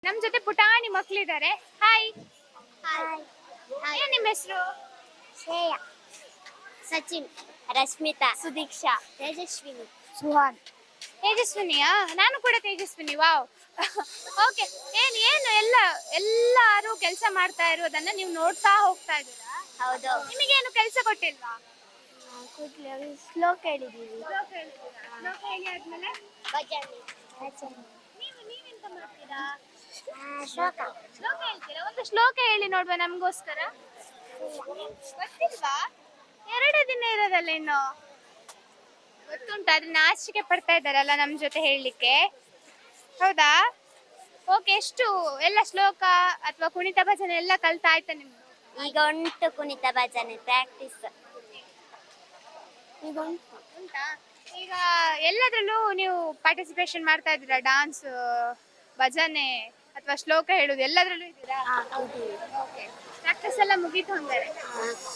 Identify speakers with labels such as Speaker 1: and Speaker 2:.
Speaker 1: ನಮ್ ಜೊತೆ ಪುಟಾಣಿ ಮಕ್ಳಿದ್ದಾರೆ. Hi,
Speaker 2: hi.
Speaker 1: ಏನ್ ನಿಮ್ಮ ಹೆಸರು?
Speaker 2: ಶ್ರೇಯ, ಸಚಿನ್, ರಶ್ಮಿತಾ,
Speaker 1: ಸುದೀಕ್ಷಾ,
Speaker 2: ತೇಜಸ್ವಿನಿ,
Speaker 3: ಸುಹಾನ್.
Speaker 1: ತೇಜಸ್ವಿನಿಯಾ? ನಾನು ಕೂಡ ತೇಜಸ್ವಿನಿ. ವಾವ್. ಓಕೆ. ಏನು ಏನು ಎಲ್ಲರೂ ಕೆಲಸ ಮಾಡ್ತಾ ಇರೋದನ್ನ ನೀವು ನೋಡ್ತಾ ಹೋಗ್ತಾ ಇದ್ದೀರಾ?
Speaker 2: ಹೌದು.
Speaker 1: ನಿಮಗೇನು ಕೆಲಸ ಕೊಟ್ಟಿಲ್ವಾ?
Speaker 3: ಶ್ಲೋಕ ಹೇಳಿದೀವಿ.
Speaker 1: ಶ್ಲೋಕ ಹೇಳ್ತೀರಾ? ಶ್ಲೋಕ ಹೇಳಿ ಆದ್ಮೇಲೆ ನೀವೆಂತ ಮಾಡ್ತೀರಾ?
Speaker 2: ಶ್ಲೋಕ.
Speaker 1: ಶ್ಲೋಕ ಹೇಳ್ತೀರಾ? ಒಂದು ಶ್ಲೋಕ ಹೇಳಿ ನೋಡುವ ನಮಗೋಸ್ಕರ. ಗೊತ್ತಿಲ್ವಾ? 2 ದಿನ ಇರೋದಲ್ಲ ಇನ್ನು. ಗೊತ್ತುಂಟು, ಆದ್ರೆ ನಾಚಿಕೆ ಪಡ್ತಾ ಇದ್ದಾರಲ್ಲ ನಮ್ ಜೊತೆ ಹೇಳಲಿಕ್ಕೆ. ಹೌದಾ? ಓಕೆ. ಎಷ್ಟು ಎಲ್ಲ ಶ್ಲೋಕ ಅಥವಾ ಕುಣಿತ ಭಜನೆ ಎಲ್ಲ ಕಲ್ತಾಯ್ತಾ ನಿಮ್ದು?
Speaker 2: ಈಗ ಉಂಟು ಕುಣಿತ ಭಜನೆ ಪ್ರಾಕ್ಟೀಸ್.
Speaker 3: ಈಗ
Speaker 1: ಉಂಟಾ? ಈಗ ಎಲ್ಲದ್ರಲ್ಲೂ ನೀವು ಪಾರ್ಟಿಸಿಪೇಷನ್ ಮಾಡ್ತಾ ಇದ್ದೀರಾ? ಡಾನ್ಸ್, ಭಜನೆ ಅಥವಾ ಶ್ಲೋಕ ಹೇಳುದು ಎಲ್ಲದ್ರಲ್ಲೂ ಇದ್ದೀರಾ? ಓಕೆ. ಪ್ರಾಕ್ಟೀಸ್ ಎಲ್ಲ ಮುಗೀತು ಹಂಗಾರೆ?